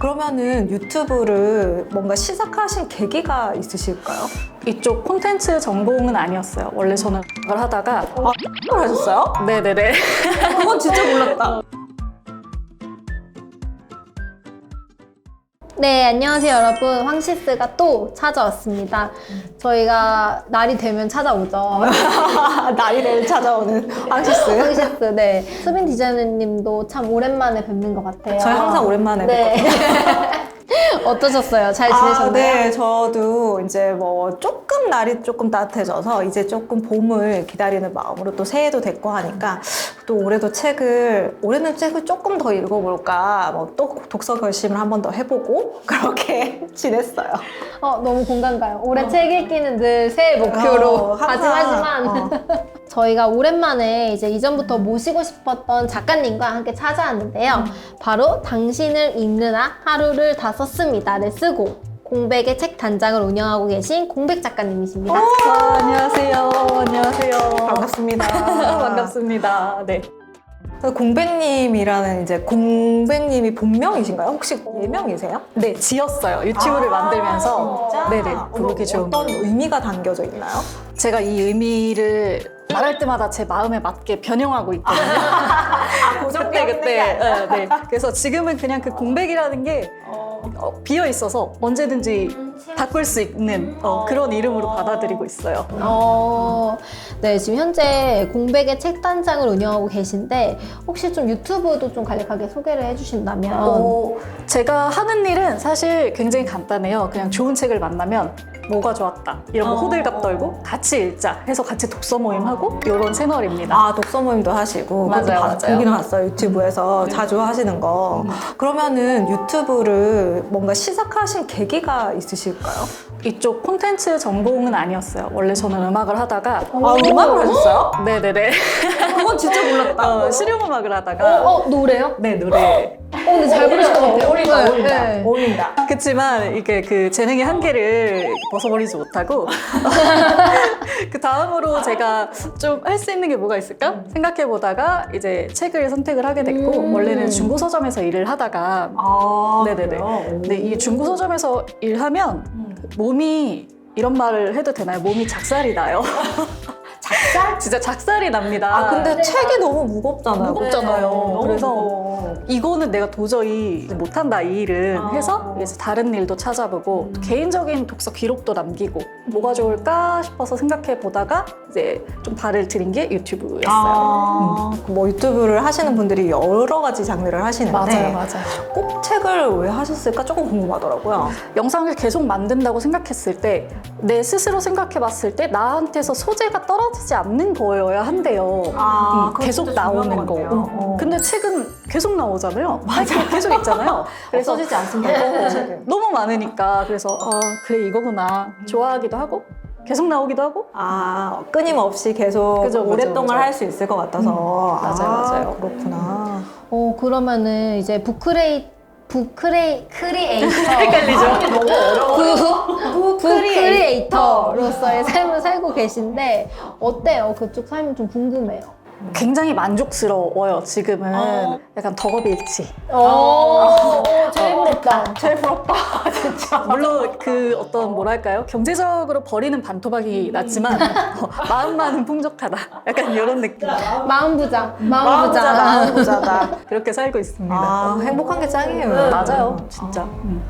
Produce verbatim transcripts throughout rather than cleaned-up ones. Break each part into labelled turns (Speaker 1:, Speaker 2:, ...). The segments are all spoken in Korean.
Speaker 1: 그러면은 유튜브를 뭔가 시작하신 계기가 있으실까요?
Speaker 2: 이쪽 콘텐츠 전공은 아니었어요. 원래 저는 그걸 하다가
Speaker 1: 아, 뭘 하셨어요?
Speaker 2: 네네네.
Speaker 1: 그건 진짜 몰랐다.
Speaker 3: 네, 안녕하세요 여러분. 황시스가 또 찾아왔습니다. 저희가 날이 되면 찾아오죠.
Speaker 1: 날이 내일 찾아오는 황시스.
Speaker 3: 황시스, 네. 수빈 디자이너님도 참 오랜만에 뵙는 것 같아요.
Speaker 1: 저희 항상 오랜만에
Speaker 3: 네.
Speaker 1: 뵙거든요.
Speaker 3: 어떠셨어요? 잘 지내셨나요?
Speaker 1: 아, 네, 저도 이제 뭐 조금 날이 조금 따뜻해져서 이제 조금 봄을 기다리는 마음으로 또 새해도 됐고 하니까 또 올해도 책을, 올해는 책을 조금 더 읽어볼까, 뭐 또 독서 결심을 한 번 더 해보고 그렇게 지냈어요.
Speaker 3: 어, 너무 공감 가요. 올해 책 읽기는 늘 새해 목표로.
Speaker 1: 어, 항상,
Speaker 3: 하지만
Speaker 1: 어.
Speaker 3: 저희가 오랜만에 이제 이전부터 모시고 싶었던 작가님과 함께 찾아왔는데요. 바로 당신을 읽는 한 하루를 다 썼습니다를 쓰고 공백의 책 단장을 운영하고 계신 공백 작가님이십니다.
Speaker 2: 아, 안녕하세요. 안녕하세요.
Speaker 1: 반갑습니다.
Speaker 2: 반갑습니다. 네.
Speaker 1: 공백님이라는 이제 공백님이 본명이신가요? 혹시 예명이세요?
Speaker 2: 네, 지었어요. 유튜브를 만들면서.
Speaker 1: 진짜?
Speaker 2: 네네, 부르기 좋은.
Speaker 1: 어떤 의미가 담겨져 있나요?
Speaker 2: 제가 이 의미를 말할 때마다 제 마음에 맞게 변형하고 있거든요. 그때 그때. 네, 네. 그래서 지금은 그냥 그 공백이라는 게 어, 비어 있어서 언제든지 바꿀 수 있는 어, 그런 이름으로 받아들이고 있어요.
Speaker 3: 어, 네, 지금 현재 공백의 책 단장을 운영하고 계신데 혹시 좀 유튜브도 좀 간략하게 소개를 해주신다면.
Speaker 2: 어, 제가 하는 일은 사실 굉장히 간단해요. 그냥 좋은 책을 만나면 뭐가 좋았다 이런 거 호들갑 떨고 같이 읽자 해서 같이 독서 모임 하고 이런 채널입니다.
Speaker 1: 아, 독서 모임도 하시고.
Speaker 2: 맞아요,
Speaker 1: 그것도 봐-
Speaker 2: 맞아요.
Speaker 1: 보기는 봤어요, 유튜브에서 자주 하시는 거. 그러면은 유튜브를 뭔가 시작하신 계기가 있으실까요?
Speaker 2: 이쪽 콘텐츠 전공은 아니었어요. 원래 저는 음악을 하다가
Speaker 1: 아, 음악을 하셨어요?
Speaker 2: 네네네.
Speaker 1: 그건 진짜 몰랐다.
Speaker 2: 어, 실용음악을 하다가
Speaker 3: 어, 노래요?
Speaker 2: 네 노래.
Speaker 3: 어, 근데 잘 부르실 것 같아요.
Speaker 1: 어울린다,
Speaker 3: 네,
Speaker 1: 어울린다.
Speaker 3: 네.
Speaker 1: 어울린다.
Speaker 2: 그치만 이게 그 재능의 한계를 벗어버리지 못하고 그 다음으로 제가 좀 할 수 있는 게 뭐가 있을까 생각해 보다가 이제 책을 선택을 하게 됐고
Speaker 3: 음.
Speaker 2: 원래는 중고 서점에서 일을 하다가
Speaker 1: 아,
Speaker 2: 네네네.
Speaker 1: 그래요?
Speaker 2: 근데 이 중고 서점에서 일하면 몸이 이런 말을 해도 되나요? 몸이 작살이 나요. 작살? 진짜 작살이 납니다.
Speaker 1: 아, 근데 책이 너무 무겁잖아요.
Speaker 2: 무겁잖아요.
Speaker 1: 너무
Speaker 2: 그래서
Speaker 1: 무거워.
Speaker 2: 이거는 내가 도저히 못한다 이 일은
Speaker 1: 아.
Speaker 2: 해서 이제 다른 일도 찾아보고 또 개인적인 독서 기록도 남기고 뭐가 좋을까 싶어서 생각해 보다가 이제 좀 발을 들인 게 유튜브였어요.
Speaker 1: 아, 뭐 유튜브를 하시는 분들이 여러 가지 장르를 하시는데
Speaker 2: 맞아요, 맞아요.
Speaker 1: 꼭 책을 왜 하셨을까 조금 궁금하더라고요.
Speaker 2: 영상을 계속 만든다고 생각했을 때 내 스스로 생각해 봤을 때 나한테서 소재가 떨어지지 않는 거여야 한대요.
Speaker 1: 아,
Speaker 2: 음,
Speaker 1: 그거
Speaker 2: 계속
Speaker 1: 진짜 중요한
Speaker 2: 나오는
Speaker 1: 것
Speaker 2: 거.
Speaker 1: 같아요.
Speaker 2: 음.
Speaker 1: 어.
Speaker 2: 근데 책은 계속 나오잖아요. 맞아요. 계속 있잖아요. 그래서
Speaker 1: 없어지지 않습니다.
Speaker 2: 어,
Speaker 1: 책은.
Speaker 2: 너무 많으니까 그래서 아 그래 이거구나 좋아하기도 하고 계속 나오기도 하고
Speaker 1: 아, 끊임없이 계속
Speaker 2: 그죠, 그죠,
Speaker 1: 오랫동안
Speaker 2: 그죠.
Speaker 1: 할 수 있을 것 같아서.
Speaker 2: 맞아요,
Speaker 1: 아,
Speaker 2: 맞아요.
Speaker 1: 그렇구나.
Speaker 3: 어, 그러면은 이제 부크레이, 부크레이, 크리에이터.
Speaker 2: 헷갈리죠?
Speaker 1: 너무 어려워.
Speaker 3: 부크리에이터로서의 삶을 살고 계신데 어때요? 그쪽 삶이 좀 궁금해요.
Speaker 2: 굉장히 만족스러워요. 지금은
Speaker 1: 어.
Speaker 2: 약간 덕업일치.
Speaker 3: 오, 제일 부럽다.
Speaker 1: 제일 부럽다, 진짜.
Speaker 2: 물론 그 어떤 뭐랄까요 경제적으로 버리는 반토막이 났지만 어, 마음만은 풍족하다. 약간 이런 느낌.
Speaker 3: 마음 부자, 마음
Speaker 1: 마음
Speaker 3: 부자.
Speaker 1: 부자다, 마음 부자다.
Speaker 2: 그렇게 살고 있습니다.
Speaker 1: 아, 행복한 게 짱이에요.
Speaker 2: 맞아요, 진짜. 음.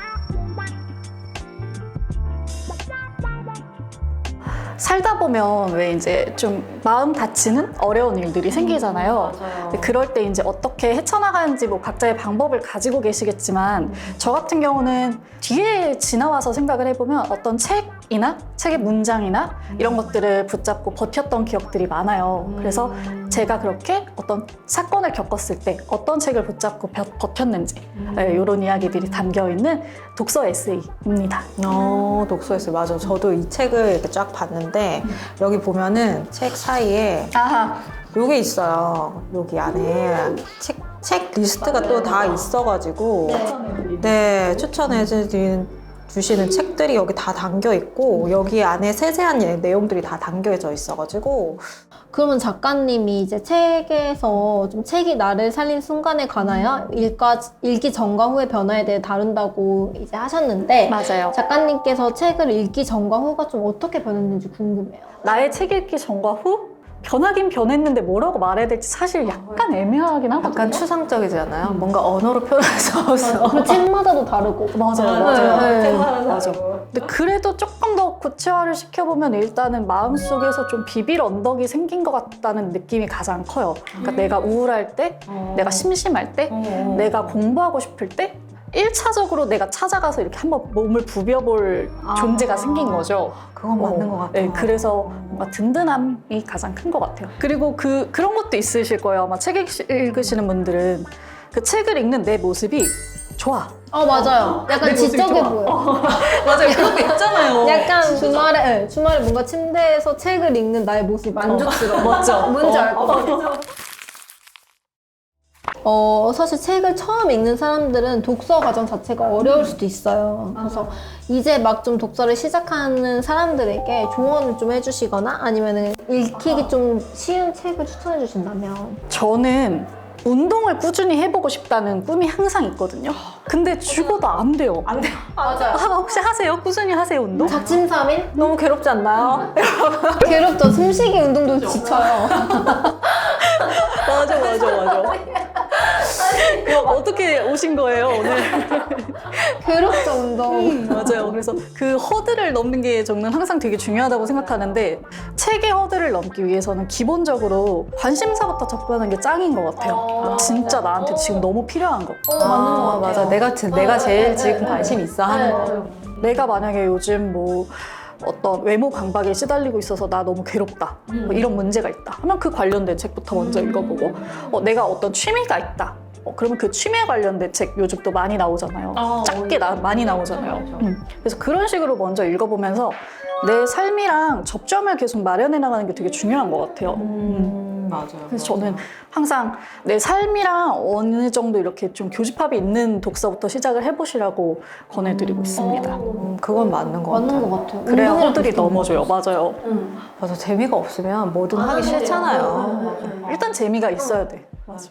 Speaker 2: 살다 보면 왜 이제 좀 마음 다치는 어려운 일들이 생기잖아요. 근데 그럴 때 이제 어떻게 헤쳐나가는지 뭐 각자의 방법을 가지고 계시겠지만 저 같은 경우는 뒤에 지나와서 생각을 해보면 어떤 책이나 책의 문장이나 이런 것들을 붙잡고 버텼던 기억들이 많아요. 그래서 제가 그렇게 어떤 사건을 겪었을 때 어떤 책을 붙잡고 버- 버텼는지 네, 이런 이야기들이 담겨있는 독서 에세이입니다.
Speaker 1: 어, 독서에서 맞아. 저도 이 책을 이렇게 쫙 봤는데 여기 보면은 책 사이에
Speaker 2: 아하.
Speaker 1: 요게 있어요. 여기 안에 책, 책 리스트가 또 다 있어가지고 네, 추천해드린 주시는 책들이 여기 다 담겨 있고 여기 안에 세세한 예- 내용들이 다 담겨져 있어가지고
Speaker 3: 그러면 작가님이 이제 책에서 좀 책이 나를 살린 순간에 관하여 읽과, 읽기 전과 후의 변화에 대해 다룬다고 이제 하셨는데
Speaker 2: 맞아요.
Speaker 3: 작가님께서 책을 읽기 전과 후가 좀 어떻게 변했는지 궁금해요.
Speaker 2: 나의 책 읽기 전과 후? 변하긴 변했는데 뭐라고 말해야 될지 사실 약간 애매하긴 하거든요.
Speaker 1: 약간 추상적이잖아요. 뭔가 언어로 표현할 수 없어.
Speaker 3: 그리고 책마다도 다르고.
Speaker 2: 맞아요,
Speaker 3: 맞아요. 네.
Speaker 2: 맞아. 근데 그래도 조금 더 구체화를 시켜보면 일단은 마음속에서 좀 비빌 언덕이 생긴 것 같다는 느낌이 가장 커요. 그러니까 내가 우울할 때, 내가 심심할 때, 내가 공부하고 싶을 때 일 차적으로 내가 찾아가서 이렇게 한번 몸을 부벼볼
Speaker 1: 아.
Speaker 2: 존재가 생긴 거죠.
Speaker 1: 그건 맞는 것 같아요.
Speaker 2: 네, 그래서 뭔가 든든함이 가장 큰 것 같아요. 그리고 그, 그런 것도 있으실 거예요. 아마 책 읽- 읽으시는 분들은 그 책을 읽는 내 모습이 좋아.
Speaker 3: 어, 맞아요. 약간 지적해 보여.
Speaker 2: 맞아요. 그런 거 있잖아요.
Speaker 3: 약간 주말에, 네, 주말에 뭔가 침대에서 책을 읽는 나의 모습이 만족스러워.
Speaker 2: 맞죠?
Speaker 3: 뭔지 알 것 같아. 어, 사실 책을 처음 읽는 사람들은 독서 과정 자체가 어려울 수도 있어요. 그래서 이제 막 좀 독서를 시작하는 사람들에게 조언을 좀 해주시거나 아니면 읽히기 좀 쉬운 책을 추천해 주신다면.
Speaker 2: 저는 운동을 꾸준히 해보고 싶다는 꿈이 항상 있거든요. 근데 죽어도 안 돼요.
Speaker 1: 안 돼요.
Speaker 3: 맞아요.
Speaker 2: 아, 혹시 하세요? 꾸준히 하세요, 운동?
Speaker 3: 작심삼일?
Speaker 1: 너무 괴롭지 않나요?
Speaker 3: 괴롭죠. 숨쉬기 운동도 지쳐요.
Speaker 2: 맞아, 맞아, 맞아. 그럼 어떻게 오신 거예요, 오늘?
Speaker 3: 괴롭죠, 운동.
Speaker 2: 맞아요. 그래서 그 허들을 넘는 게 저는 항상 되게 중요하다고 생각하는데 책의 허들을 넘기 위해서는 기본적으로 관심사부터 접근하는 게 짱인 것 같아요. 진짜 나한테 지금 너무 필요한 거.
Speaker 1: 아, 맞아. 내가, 제- 내가 제일 지금 관심 있어 하는 거.
Speaker 2: 내가 만약에 요즘 뭐 어떤 외모 강박에 시달리고 있어서 나 너무 괴롭다. 뭐 이런 문제가 있다. 하면 그 관련된 책부터 먼저 읽어보고 어, 내가 어떤 취미가 있다. 어, 그러면 그 취미에 관련된 책 요즘 또 많이 나오잖아요. 작게 나, 많이 나오잖아요. 음. 그래서 그런 식으로 먼저 읽어보면서 내 삶이랑 접점을 계속 마련해 나가는 게 되게 중요한 것 같아요. 음.
Speaker 1: 맞아요.
Speaker 2: 그래서 저는 항상 내 삶이랑 어느 정도 이렇게 좀 교집합이 있는 독서부터 시작을 해보시라고 권해드리고 있습니다.
Speaker 1: 음, 그건 맞는 것 같아요.
Speaker 3: 맞는 것 같아요.
Speaker 2: 그래야
Speaker 3: 운동이랑
Speaker 2: 허들이
Speaker 3: 비슷한
Speaker 2: 넘어져요. 맞아요.
Speaker 1: 맞아. 재미가 없으면 뭐든 하기 싫잖아요.
Speaker 2: 일단 재미가 있어야 돼. 맞아.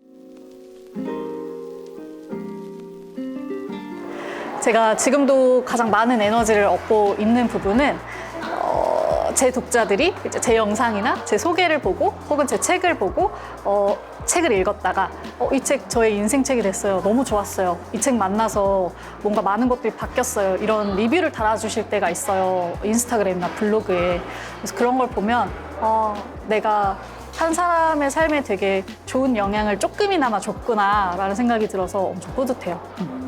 Speaker 2: 제가 지금도 가장 많은 에너지를 얻고 있는 부분은 어, 제 독자들이 이제 제 영상이나 제 소개를 보고 혹은 제 책을 보고 어, 책을 읽었다가 어, 이 책 저의 인생 책이 됐어요. 너무 좋았어요. 이 책 만나서 뭔가 많은 것들이 바뀌었어요. 이런 리뷰를 달아주실 때가 있어요. 인스타그램이나 블로그에. 그래서 그런 걸 보면 어, 내가 한 사람의 삶에 되게 좋은 영향을 조금이나마 줬구나라는 생각이 들어서 엄청 뿌듯해요.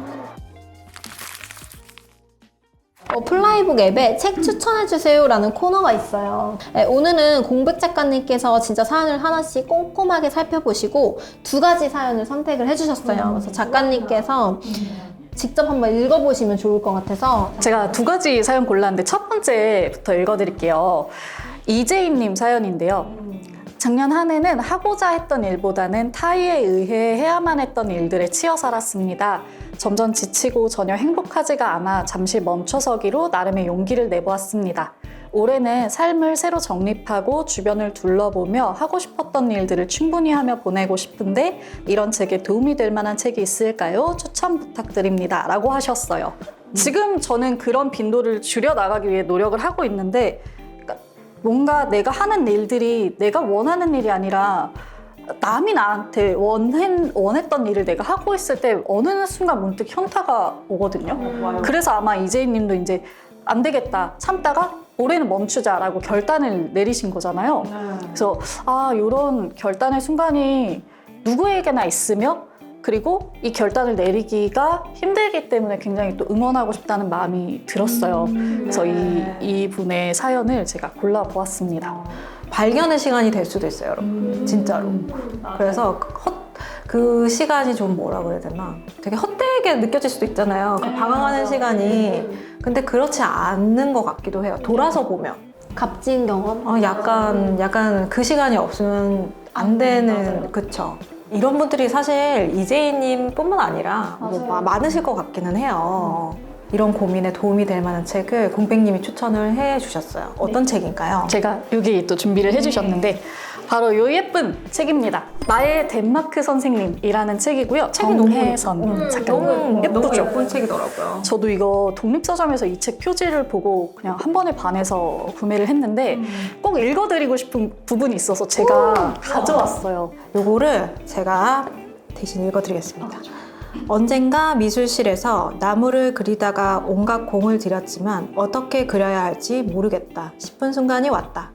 Speaker 3: 어, 플라이북 앱에 책 추천해주세요라는 코너가 있어요. 네, 오늘은 공백 작가님께서 진짜 사연을 하나씩 꼼꼼하게 살펴보시고 두 가지 사연을 선택을 해주셨어요. 그래서 작가님께서 직접 한번 읽어보시면 좋을 것 같아서.
Speaker 2: 제가 두 가지 사연 골랐는데 첫 번째부터 읽어드릴게요. 이재임님 사연인데요. 작년 한 해는 하고자 했던 일보다는 타의에 의해 해야만 했던 일들에 치여 살았습니다. 점점 지치고 전혀 행복하지가 않아 잠시 멈춰서기로 나름의 용기를 내보았습니다. 올해는 삶을 새로 정립하고 주변을 둘러보며 하고 싶었던 일들을 충분히 하며 보내고 싶은데 이런 책에 도움이 될 만한 책이 있을까요? 추천 부탁드립니다. 라고 하셨어요. 지금 저는 그런 빈도를 줄여나가기 위해 노력을 하고 있는데 뭔가 내가 하는 일들이 내가 원하는 일이 아니라 남이 나한테 원했, 원했던 일을 내가 하고 있을 때 어느 순간 문득 현타가 오거든요. 그래서 아마 이재인 님도 이제 안 되겠다 참다가 올해는 멈추자라고 결단을 내리신 거잖아요. 그래서 아, 이런 결단의 순간이 누구에게나 있으며 그리고 이 결단을 내리기가 힘들기 때문에 굉장히 또 응원하고 싶다는 마음이 들었어요. 그래서 이, 이 분의 사연을 제가 골라보았습니다.
Speaker 1: 발견의 시간이 될 수도 있어요, 여러분. 진짜로. 그래서 헛, 그 시간이 좀 뭐라 그래야 되나? 되게 헛되게 느껴질 수도 있잖아요. 그 방황하는 시간이. 근데 그렇지 않는 것 같기도 해요. 돌아서 보면.
Speaker 3: 값진 경험?
Speaker 1: 어, 약간, 약간 그 시간이 없으면 안 되는, 그쵸. 이런 분들이 사실 이재희님 뿐만 아니라 뭐 마- 많으실 것 같기는 해요. 이런 고민에 도움이 될 만한 책을 공백님이 추천을 해주셨어요. 어떤 책인가요?
Speaker 2: 제가 여기 또 준비를 해주셨는데 바로 요 예쁜 책입니다. 나의 덴마크 선생님이라는 책이고요. 정혜선
Speaker 1: 음,
Speaker 2: 작가님.
Speaker 1: 너무
Speaker 2: 예쁘죠?
Speaker 1: 너무 예쁜 책이더라고요.
Speaker 2: 저도 이거 독립서점에서 이 책 표지를 보고 그냥 한 번에 반해서 구매를 했는데 꼭 읽어드리고 싶은 부분이 있어서 제가 가져왔어요.
Speaker 1: 요거를 제가 대신 읽어드리겠습니다. 언젠가 미술실에서 나무를 그리다가 온갖 공을 들였지만 어떻게 그려야 할지 모르겠다 싶은 순간이 왔다.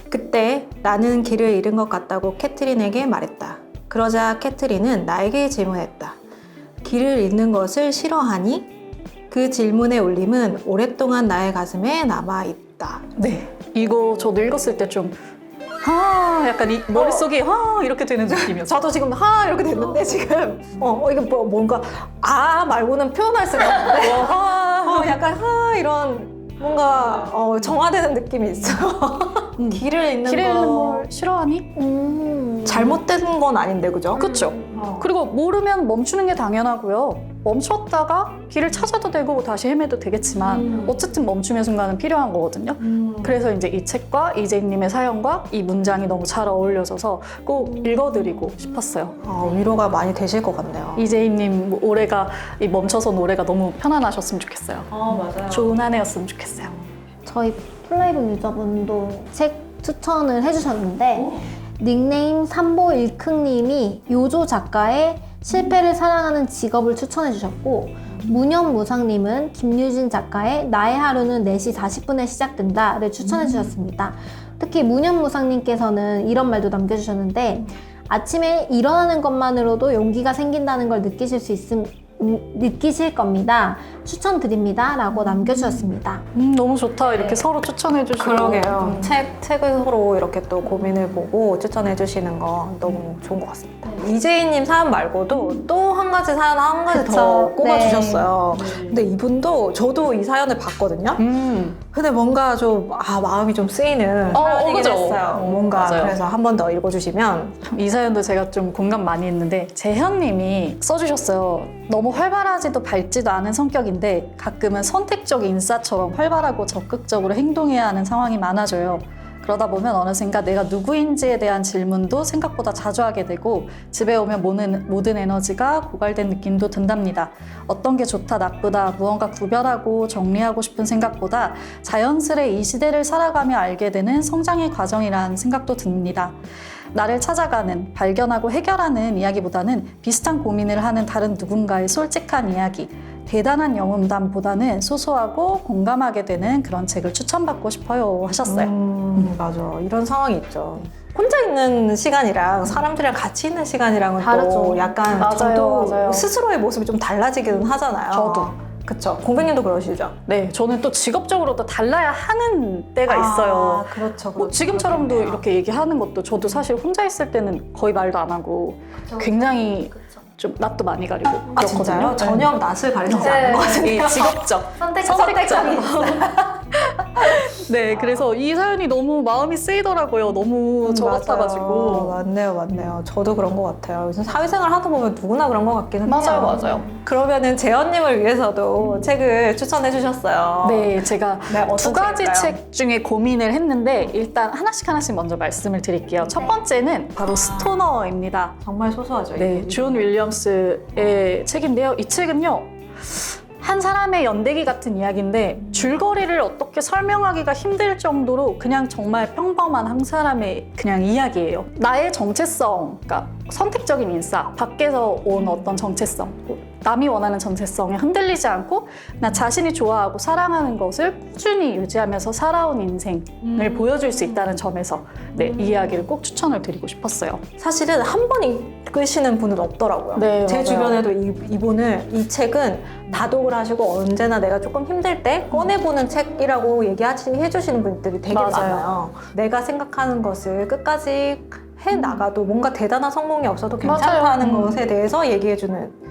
Speaker 1: 그때 나는 길을 잃은 것 같다고 캐트린에게 말했다. 그러자 캐트린은 나에게 질문했다. 길을 잃는 것을 싫어하니? 그 질문의 울림은 오랫동안 나의 가슴에 남아있다.
Speaker 2: 네. 이거 저도 읽었을 때 좀 아, 약간 이 머릿속이 아 이렇게 되는 느낌이었어요.
Speaker 1: 저도 지금 하 이렇게 됐는데 지금 어, 어 이게 뭐, 뭔가 아 말고는 표현할 수가 없는데 어, 약간 하 이런 뭔가 어, 정화되는 느낌이 있어요.
Speaker 2: 음.
Speaker 1: 길을 잃는
Speaker 2: 길을 잃는
Speaker 1: 거
Speaker 2: 걸 싫어하니?
Speaker 3: 음.
Speaker 1: 잘못된 건 아닌데 그죠?
Speaker 2: 그쵸?
Speaker 1: 어.
Speaker 2: 그리고 모르면 멈추는 게 당연하고요. 멈췄다가 길을 찾아도 되고 다시 헤매도 되겠지만
Speaker 3: 음.
Speaker 2: 어쨌든 멈춤의 순간은 필요한 거거든요.
Speaker 1: 음.
Speaker 2: 그래서 이제 이 책과 이재희님의 사연과 이 문장이 너무 잘 어울려져서 꼭 읽어드리고 싶었어요.
Speaker 1: 어, 위로가 많이 되실 것 같네요.
Speaker 2: 이재희님 올해가 이 멈춰서 노래가 너무 편안하셨으면 좋겠어요.
Speaker 1: 어 맞아요.
Speaker 2: 좋은 한 해였으면 좋겠어요.
Speaker 3: 저희 플레이북 유저분도 책 추천을 해주셨는데 닉네임 삼보일크님이 요조 작가의 실패를 사랑하는 직업을 추천해 주셨고 무념무상님은 김유진 작가의 나의 하루는 네 시 사십 분에 시작된다를 추천해 주셨습니다. 특히 무념무상님께서는 이런 말도 남겨주셨는데 아침에 일어나는 것만으로도 용기가 생긴다는 걸 느끼실 수 있음 음, 느끼실 겁니다. 추천드립니다. 라고 남겨주셨습니다.
Speaker 2: 음, 너무 좋다. 이렇게 서로 추천해 주시고.
Speaker 1: 그러게요.
Speaker 2: 음.
Speaker 1: 책, 책을 서로 이렇게 또 고민을 보고 추천해 주시는 거 너무 좋은 것 같습니다. 이재희님 사연 말고도 또 한 가지 사연 한 가지
Speaker 3: 그쵸.
Speaker 1: 더 꼽아주셨어요.
Speaker 3: 네.
Speaker 1: 근데 이분도 저도 이 사연을 봤거든요.
Speaker 2: 음.
Speaker 1: 근데 뭔가 좀, 아, 마음이 좀 쓰이는
Speaker 2: 어,
Speaker 1: 사연이긴
Speaker 2: 그죠?
Speaker 1: 했어요.
Speaker 2: 어,
Speaker 1: 뭔가.
Speaker 2: 맞아요.
Speaker 1: 그래서 한 번 더 읽어주시면.
Speaker 2: 이 사연도 제가 좀 공감 많이 했는데 재현님이 써주셨어요. 너무 활발하지도 밝지도 않은 성격인데 가끔은 선택적 인싸처럼 활발하고 적극적으로 행동해야 하는 상황이 많아져요. 그러다 보면 어느샌가 내가 누구인지에 대한 질문도 생각보다 자주 하게 되고 집에 오면 모든, 모든 에너지가 고갈된 느낌도 든답니다. 어떤 게 좋다 나쁘다 무언가 구별하고 정리하고 싶은 생각보다 자연스레 이 시대를 살아가며 알게 되는 성장의 과정이라는 생각도 듭니다. 나를 찾아가는, 발견하고 해결하는 이야기보다는 비슷한 고민을 하는 다른 누군가의 솔직한 이야기, 대단한 영웅담보다는 소소하고 공감하게 되는 그런 책을 추천받고 싶어요 하셨어요.
Speaker 1: 음, 맞아. 이런 상황이 있죠. 혼자 있는 시간이랑 사람들이랑 같이 있는 시간이랑은
Speaker 3: 다르죠.
Speaker 1: 또 약간
Speaker 2: 맞아요,
Speaker 1: 저도
Speaker 2: 맞아요.
Speaker 1: 스스로의 모습이 좀 달라지기는 하잖아요.
Speaker 2: 저도.
Speaker 1: 그쵸. 공백님도 그러시죠?
Speaker 2: 네, 저는 또 직업적으로도 달라야 하는 때가 있어요.
Speaker 1: 아, 그렇죠.
Speaker 2: 뭐
Speaker 1: 그렇죠.
Speaker 2: 지금처럼도
Speaker 1: 그렇겠네요.
Speaker 2: 이렇게 얘기하는 것도 저도 사실 혼자 있을 때는 거의 말도 안 하고 굉장히 좀 낯도 많이 가리고
Speaker 1: 아, 진짜요?
Speaker 2: 그렇거든요.
Speaker 1: 전혀 낯을 가리지
Speaker 3: 네.
Speaker 1: 않는 것 같은데.
Speaker 2: 이 직업적 선택적인 네, 그래서 이 사연이 너무 마음이 쓰이더라고요. 너무 저
Speaker 1: 맞아요.
Speaker 2: 같아가지고.
Speaker 1: 맞네요, 맞네요. 저도 그런 것 같아요. 요즘 사회생활 하다 보면 누구나 그런 것 같기는 해요.
Speaker 2: 맞아요, 맞아요.
Speaker 1: 그러면은 재현님을 위해서도 책을 추천해 주셨어요.
Speaker 2: 네, 제가
Speaker 1: 네, 어떤
Speaker 2: 두 가지
Speaker 1: 책일까요?
Speaker 2: 책 중에 고민을 했는데 일단 하나씩 하나씩 먼저 말씀을 드릴게요. 첫 번째는 바로 스토너입니다.
Speaker 1: 정말 소소하죠.
Speaker 2: 네,
Speaker 1: 이게.
Speaker 2: 존 윌리엄스의 책인데요. 이 책은요. 한 사람의 연대기 같은 이야기인데 줄거리를 어떻게 설명하기가 힘들 정도로 그냥 정말 평범한 한 사람의 그냥 이야기예요. 나의 정체성, 그러니까 선택적인 인싸, 밖에서 온 어떤 정체성, 남이 원하는 정체성에 흔들리지 않고 나 자신이 좋아하고 사랑하는 것을 꾸준히 유지하면서 살아온 인생을
Speaker 1: 음.
Speaker 2: 보여줄 수 있다는 점에서 네, 이 이야기를 꼭 추천을 드리고 싶었어요.
Speaker 1: 사실은 한 번 읽으시는 분은 없더라고요.
Speaker 2: 네,
Speaker 1: 제
Speaker 2: 맞아요.
Speaker 1: 주변에도 이, 이분을 이 책은 다독을 하시고 언제나 내가 조금 힘들 때 꺼내보는 책이라고 얘기하시는 해주시는 분들이 되게
Speaker 2: 맞아요.
Speaker 1: 많아요. 내가 생각하는 것을 끝까지 해 나가도 뭔가 대단한 성공이 없어도 괜찮다는
Speaker 2: 맞아요. 음.
Speaker 1: 것에 대해서 얘기해주는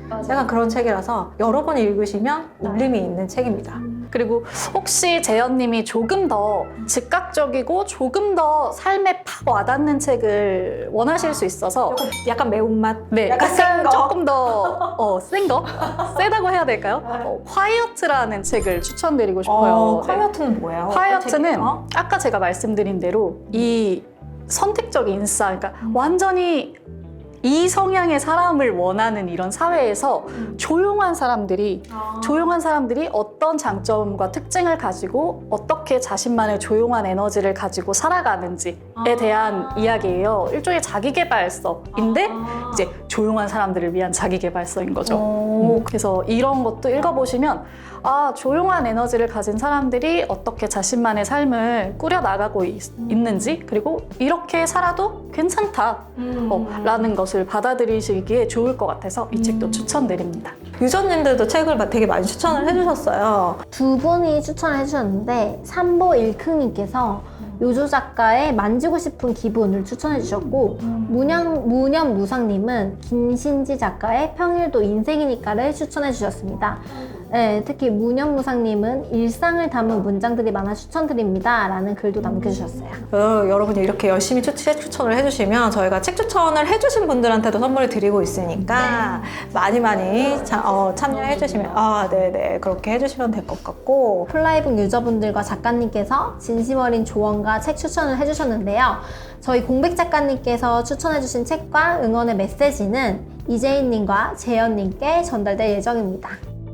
Speaker 1: 약간 그런 책이라서 여러 번 읽으시면 울림이 있는 책입니다.
Speaker 2: 그리고 혹시 재현님이 조금 더 즉각적이고 조금 더 삶에 팍 와닿는 책을 원하실 수 있어서
Speaker 1: 약간 매운맛?
Speaker 2: 네,
Speaker 1: 약간 센 거?
Speaker 2: 조금 더 어, 센 거? 세다고 해야 될까요? 어, 콰이어트라는 책을 추천드리고 싶어요.
Speaker 1: 어,
Speaker 2: 네.
Speaker 1: 콰이어트는 뭐예요?
Speaker 2: 콰이어트는
Speaker 1: 책이에요?
Speaker 2: 아까 제가 말씀드린 대로 이 선택적 인싸, 그러니까 완전히 이 성향의 사람을 원하는 이런 사회에서 조용한 사람들이
Speaker 1: 아.
Speaker 2: 조용한 사람들이 어떤 장점과 특징을 가지고 어떻게 자신만의 조용한 에너지를 가지고 살아가는지에
Speaker 1: 아.
Speaker 2: 대한 이야기예요. 일종의 자기계발서인데
Speaker 1: 아.
Speaker 2: 이제 조용한 사람들을 위한 자기계발서인 거죠.
Speaker 1: 오.
Speaker 2: 음, 그래서 이런 것도 읽어보시면 아, 조용한 에너지를 가진 사람들이 어떻게 자신만의 삶을 꾸려나가고 있, 있는지 그리고 이렇게 살아도 괜찮다
Speaker 1: 음.
Speaker 2: 어, 라는 것을 받아들이시기에 좋을 것 같아서 이 책도 추천드립니다.
Speaker 1: 유저님들도 책을 되게 많이 추천을 해주셨어요.
Speaker 3: 두 분이 추천을 해주셨는데 삼보일크님께서 요조 작가의 만지고 싶은 기분을 추천해 주셨고 문양, 무념무상님은 김신지 작가의 평일도 인생이니까를 추천해 주셨습니다. 네, 특히 무념무상님은 일상을 담은 문장들이 많아 추천드립니다 라는 글도 남겨주셨어요.
Speaker 1: 어, 여러분이 이렇게 열심히 추, 책 추천을 해주시면 저희가 책 추천을 해주신 분들한테도 선물을 드리고 있으니까 많이 많이 자, 어, 참여해주시면 아, 네네 그렇게 해주시면 될 것 같고
Speaker 3: 플라이북 유저분들과 작가님께서 진심 어린 조언과 책 추천을 해주셨는데요. 저희 공백 작가님께서 추천해주신 책과 응원의 메시지는 이재인님과 재현님께 전달될 예정입니다.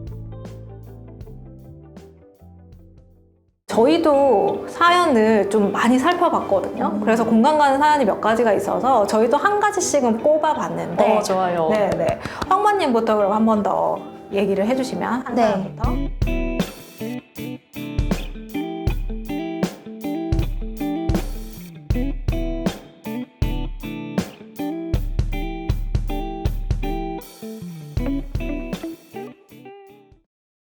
Speaker 1: 저희도 사연을 좀 많이 살펴봤거든요. 그래서 공감 가는 사연이 몇 가지가 있어서 저희도 한 가지씩은 꼽아봤는데
Speaker 2: 어, 좋아요.
Speaker 1: 네네 황마님부터 그럼 한 번 더 얘기를 해주시면 한
Speaker 3: 네.
Speaker 1: 사연부터